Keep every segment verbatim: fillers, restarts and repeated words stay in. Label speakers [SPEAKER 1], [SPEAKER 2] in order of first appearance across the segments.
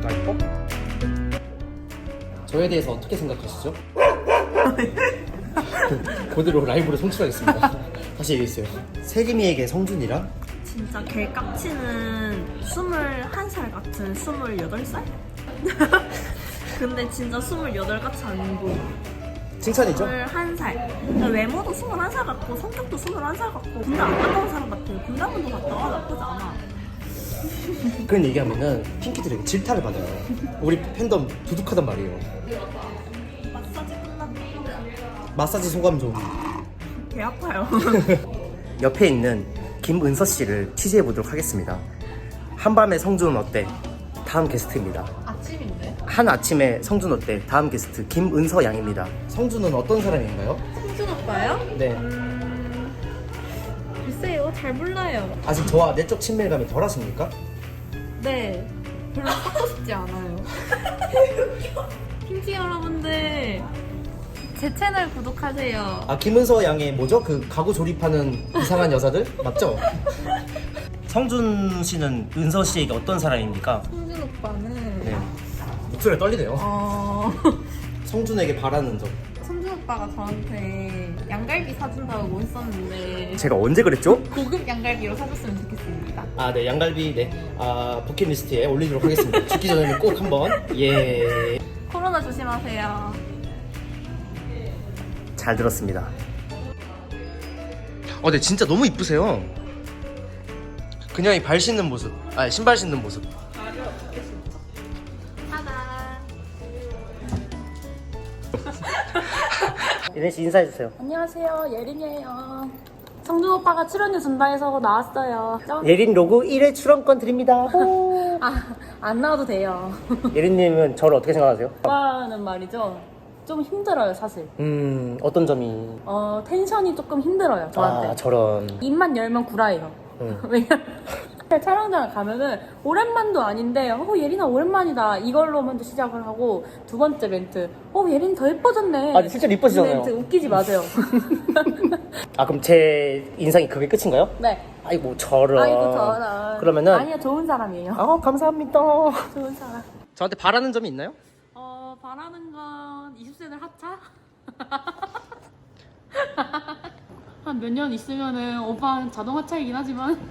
[SPEAKER 1] 라이퍼? 저에 대해서 어떻게 생각하시죠? 그대로 라이브로 송출하겠습니다. 다시 얘기했어요. 세림이에게 성준이랑?
[SPEAKER 2] 진짜 개 깍치는 스물한 살 같은 스물여덟 살? 근데 진짜 스물여덟 같이 안 보여.
[SPEAKER 1] 칭찬이죠?
[SPEAKER 2] 스물한 살. 외모도 스물한 살 같고 성격도 스물한 살 같고 군대 안 갔다 온 사람 같아요. 군대 한 번도 갔다 와 나쁘지 않아.
[SPEAKER 1] 그런 얘기하면은 핑키들에게 질타를 받아요. 우리 팬덤 두둑하단 말이에요.
[SPEAKER 2] 마사지 끝났다.
[SPEAKER 1] 마사지 소감 좀.
[SPEAKER 2] 개 아파요.
[SPEAKER 1] 옆에 있는 김은서 씨를 취재해 보도록 하겠습니다. 한밤의 성준 어때? 다음 게스트입니다.
[SPEAKER 3] 아침인데?
[SPEAKER 1] 한 아침에 성준 어때? 다음 게스트 김은서 양입니다. 성준은 어떤 사람인가요?
[SPEAKER 3] 성준 오빠요?
[SPEAKER 1] 네.
[SPEAKER 3] 음... 글쎄요, 잘 몰라요.
[SPEAKER 1] 아직 저와 내적 친밀감이 덜하십니까?
[SPEAKER 3] 네, 별로 찾고 싶지 않아요. 핑키 여러분들, 제 채널 구독하세요.
[SPEAKER 1] 아, 김은서 양의 뭐죠? 그 가구 조립하는 이상한 여자들? 맞죠? 성준 씨는 은서 씨에게 어떤 사람입니까?
[SPEAKER 3] 성준 오빠는
[SPEAKER 1] 네. 목소리가 떨리네요.
[SPEAKER 3] 어...
[SPEAKER 1] 성준에게 바라는 점.
[SPEAKER 3] 성준 오빠가 저한테 양갈비 사준다고 했었는데
[SPEAKER 1] 제가 언제 그랬죠?
[SPEAKER 3] 고급 양갈비로 사줬으면 좋겠습니다.
[SPEAKER 1] 아, 네, 양갈비, 네. 아, 버킷리스트에 올리도록 하겠습니다. 죽기 전에는 꼭 한번. 예.
[SPEAKER 3] 코로나 조심하세요.
[SPEAKER 1] 잘 들었습니다. 어, 네, 진짜 너무 이쁘세요. 그냥 이 발 신는 모습, 아, 신발 신는 모습.
[SPEAKER 3] 하나.
[SPEAKER 1] 예린 씨 인사해주세요.
[SPEAKER 4] 안녕하세요, 예린이에요. 성준 오빠가 출연료 준다 해서 나왔어요.
[SPEAKER 1] 예린 로고 일 회 출연권 드립니다.
[SPEAKER 4] 아, 안 나와도 돼요.
[SPEAKER 1] 예린님은 저를 어떻게 생각하세요?
[SPEAKER 4] 오빠는 말이죠, 좀 힘들어요, 사실.
[SPEAKER 1] 음, 어떤 점이?
[SPEAKER 4] 어, 텐션이 조금 힘들어요, 저한테.
[SPEAKER 1] 아, 저런.
[SPEAKER 4] 입만 열면 구라예요.
[SPEAKER 1] 음.
[SPEAKER 4] 왜냐면 촬영장 가면은 오랜만도 아닌데 어 예린아 오랜만이다 이걸로 먼저 시작을 하고, 두 번째 멘트 어 예린 더 예뻐졌네.
[SPEAKER 1] 아, 실제로 이뻐지잖아요.
[SPEAKER 4] 이 멘트 웃기지 마세요.
[SPEAKER 1] 아, 그럼 제 인상이 그게 끝인가요?
[SPEAKER 4] 네.
[SPEAKER 1] 아이고, 저런.
[SPEAKER 4] 아이고 저런.
[SPEAKER 1] 그러면은.
[SPEAKER 4] 아니야, 좋은 사람이에요.
[SPEAKER 1] 아, 감사합니다.
[SPEAKER 4] 좋은 사람.
[SPEAKER 1] 저한테 바라는 점이 있나요?
[SPEAKER 4] 어, 바라는 건 이십 세들 하차? 한 몇 년 있으면은 오빠는 자동 하차이긴 하지만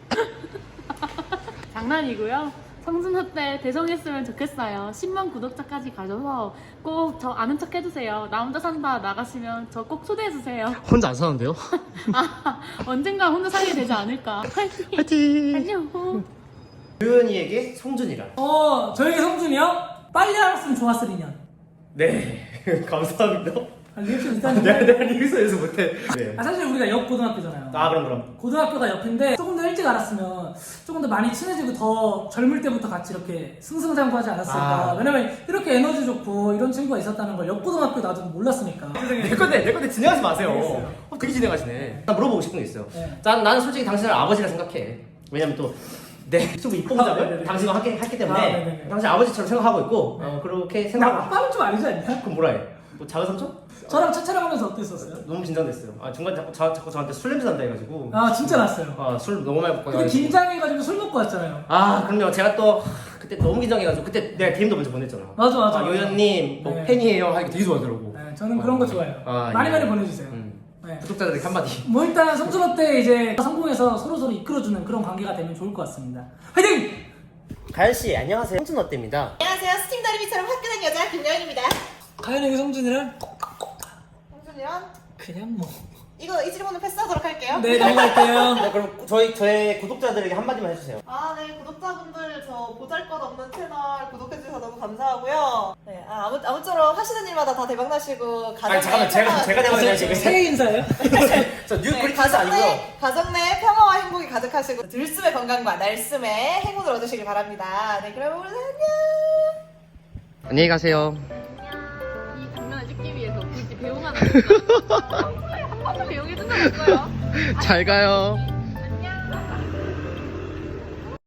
[SPEAKER 4] 장난이고요. 성준호 때 대성했으면 좋겠어요. 십만 구독자까지 가져서 꼭 저 아는 척 해주세요. 나 혼자 산다 나가시면 저 꼭 초대해주세요.
[SPEAKER 1] 혼자 안 사는데요?
[SPEAKER 4] 아, 언젠가 혼자 살게 되지 않을까. 화이팅!
[SPEAKER 1] 화이팅!
[SPEAKER 4] 안녕!
[SPEAKER 1] 유연이에게 성준이란?
[SPEAKER 5] 어, 저에게 성준이요? 빨리 알았으면 좋았을 인연.
[SPEAKER 1] 네. 감사합니다.
[SPEAKER 5] 아, 리액션 일단
[SPEAKER 1] 내가 내가 리뷰에서 못해. 네.
[SPEAKER 5] 아, 사실 우리가 옆 고등학교잖아요.
[SPEAKER 1] 아, 그럼 그럼.
[SPEAKER 5] 고등학교가 옆인데 조금 더 일찍 알았으면 조금 더 많이 친해지고 더 젊을 때부터 같이 이렇게 승승장구하지 않았을까.
[SPEAKER 1] 아.
[SPEAKER 5] 왜냐면 이렇게 에너지 좋고 이런 친구가 있었다는 걸 옆 고등학교 나도 몰랐으니까.
[SPEAKER 1] 내 건데 내 건데 진행하지 마세요.
[SPEAKER 5] 알겠어요.
[SPEAKER 1] 어, 되게 진행하시네. 나 물어보고 싶은 게 있어요.
[SPEAKER 5] 네.
[SPEAKER 1] 난 나는 솔직히 당신을 아버지라 생각해. 왜냐면 또 내 유튜브
[SPEAKER 5] 아,
[SPEAKER 1] 입봉작을
[SPEAKER 5] 네네네.
[SPEAKER 1] 당신과 함께 했기 때문에
[SPEAKER 5] 아, 네네네.
[SPEAKER 1] 당신 아버지처럼 생각하고 있고 어, 그렇게
[SPEAKER 5] 나
[SPEAKER 1] 생각하고.
[SPEAKER 5] 아빠는 좀 아니지 않냐?
[SPEAKER 1] 그럼 뭐라 해? 뭐 작은 삼촌?
[SPEAKER 5] 저랑 차 촬영하면서 어땠었어요?
[SPEAKER 1] 너무 긴장됐어요. 아, 중간에 자꾸, 자, 자꾸 저한테 술 냄새 난다 해가지고.
[SPEAKER 5] 아, 진짜 났어요.
[SPEAKER 1] 아, 술 너무 많이 먹고
[SPEAKER 5] 근데
[SPEAKER 1] 가지고.
[SPEAKER 5] 긴장해가지고 술 먹고 왔잖아요.
[SPEAKER 1] 아, 그럼요. 제가 또 그때 너무 긴장해가지고 그때 내가 디엠도 먼저 보냈잖아.
[SPEAKER 5] 맞아, 맞아.
[SPEAKER 1] 아, 요연님 뭐
[SPEAKER 5] 네.
[SPEAKER 1] 팬이에요 하니까 되게 좋아하더라고.
[SPEAKER 5] 네, 저는 그런 거 좋아해요.
[SPEAKER 1] 아,
[SPEAKER 5] 많이
[SPEAKER 1] 예.
[SPEAKER 5] 많이 보내주세요.
[SPEAKER 1] 음.
[SPEAKER 5] 네.
[SPEAKER 1] 구독자들에게 한마디.
[SPEAKER 5] 뭐 일단 성준호 때 이제 성공해서 서로서로 이끌어주는 그런 관계가 되면 좋을 것 같습니다. 화이팅!
[SPEAKER 1] 가연씨, 안녕하세요. 성준 어때입니다.
[SPEAKER 6] 안녕하세요. 스팀 다리미처럼 화끈한 여자 김여인입니다.
[SPEAKER 5] 가연에게 성준이랑
[SPEAKER 6] 성준이랑
[SPEAKER 5] 그냥 뭐.
[SPEAKER 6] 이거 이 질문은 패스하도록 할게요.
[SPEAKER 5] 네, 넘어갈게요.
[SPEAKER 1] 네, 그럼 저희 저의 구독자들에게 한마디만 해주세요.
[SPEAKER 6] 아, 네, 구독자분들 저 보잘것없는 채널 구독해주셔서 너무 감사하고요. 네, 아, 아무, 아무쪼록 하시는 일마다 다 대박나시고 가정
[SPEAKER 1] 아니 잠깐만, 제가 제가 대박 나시고
[SPEAKER 5] 새해 인사예요?
[SPEAKER 1] 저뉴
[SPEAKER 6] 네,
[SPEAKER 1] 브리티스
[SPEAKER 6] 가정
[SPEAKER 1] 아니고요.
[SPEAKER 6] 내 가정 내 평화와 행복이 가득하시고 들숨의 건강과 날숨의 행운을 얻으시길 바랍니다. 네, 그럼 오늘 안녕.
[SPEAKER 1] 안녕히 가세요.
[SPEAKER 3] 이 장면을 찍기 위해서 굳이 배웅하는 건가? 한 번도 배웅해준 적 없어요.
[SPEAKER 1] 잘 가요.